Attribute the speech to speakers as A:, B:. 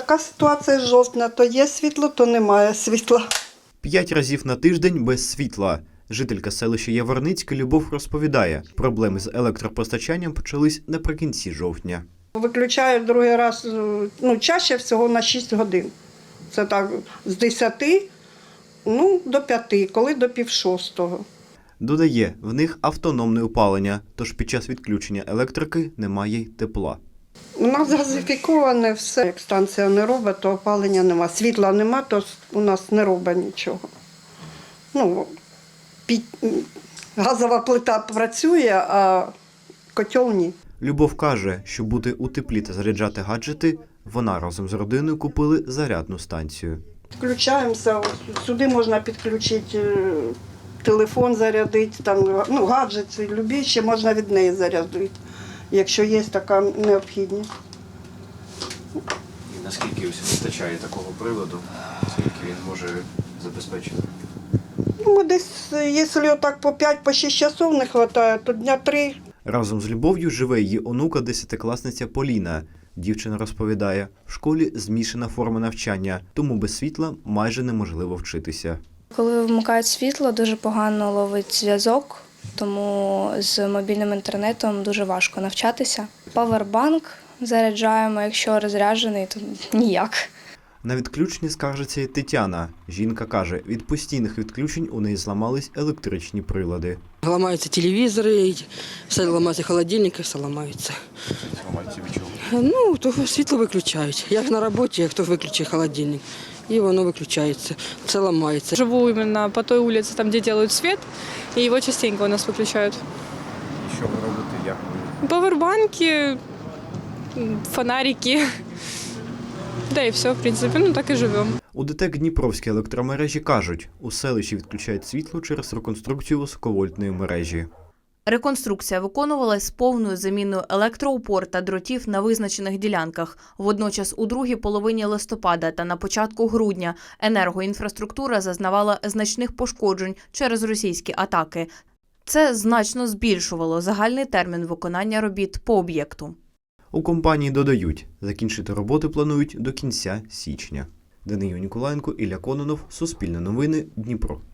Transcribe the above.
A: така ситуація з жовтня. То є світло, то немає світла.
B: 5 разів на тиждень без світла. Жителька селища Яворницьке Любов розповідає, проблеми з електропостачанням почались наприкінці жовтня.
A: Виключають другий раз, чаще всього на 6 годин. Це так, з 10 до 5, коли до 5:30.
B: Додає, в них автономне опалення, тож під час відключення електрики немає й тепла.
A: У нас газифіковане все. Як станція не робить, то опалення нема. Світла нема, то у нас не робить нічого. Газова плита працює, а котел ні.
B: Любов каже, щоб бути у теплі та заряджати гаджети, вона разом з родиною купили зарядну станцію.
A: Включаємося, сюди можна підключити телефон, зарядити, гаджети, любі, ще можна від неї зарядити, якщо є така необхідність.
C: І наскільки вистачає такого приладу, скільки він може забезпечити?
A: Десь, якщо так по 5-6 часов не вистачає, то дня 3.
B: Разом з Любов'ю живе її онука, 10-класниця Поліна. Дівчина розповідає, в школі змішана форма навчання, тому без світла майже неможливо вчитися.
D: Коли вмикають світло, дуже погано ловить зв'язок, тому з мобільним інтернетом дуже важко навчатися. Павербанк заряджаємо, якщо розряджений, то ніяк.
B: На відключення скаржиться й Тетяна. Жінка каже, від постійних відключень у неї зламались електричні прилади.
E: Ламаються телевізори, все ламається холодильник, все ламається.
C: Ламається від чого?
E: То світло виключають. Як на роботі, як хто виключить холодильник, і воно виключається, все ламається.
F: Живу іменно по той вулиці, там, де роблять світ, і його частенько у нас виключають.
C: І що ви робите? Як ви?
F: Павербанки, фонарики. Да і все, в принципі, так і живемо.
B: У ДТЕК Дніпровській електромережі кажуть, у селищі відключають світло через реконструкцію високовольтної мережі.
G: Реконструкція виконувалась з повною заміною електроопор та дротів на визначених ділянках. Водночас у другій половині листопада та на початку грудня енергоінфраструктура зазнавала значних пошкоджень через російські атаки. Це значно збільшувало загальний термін виконання робіт по об'єкту.
B: У компанії додають, закінчити роботи планують до кінця січня. Даниїл Ніколаєнко, Ілля Кононов, Суспільне новини, Дніпро.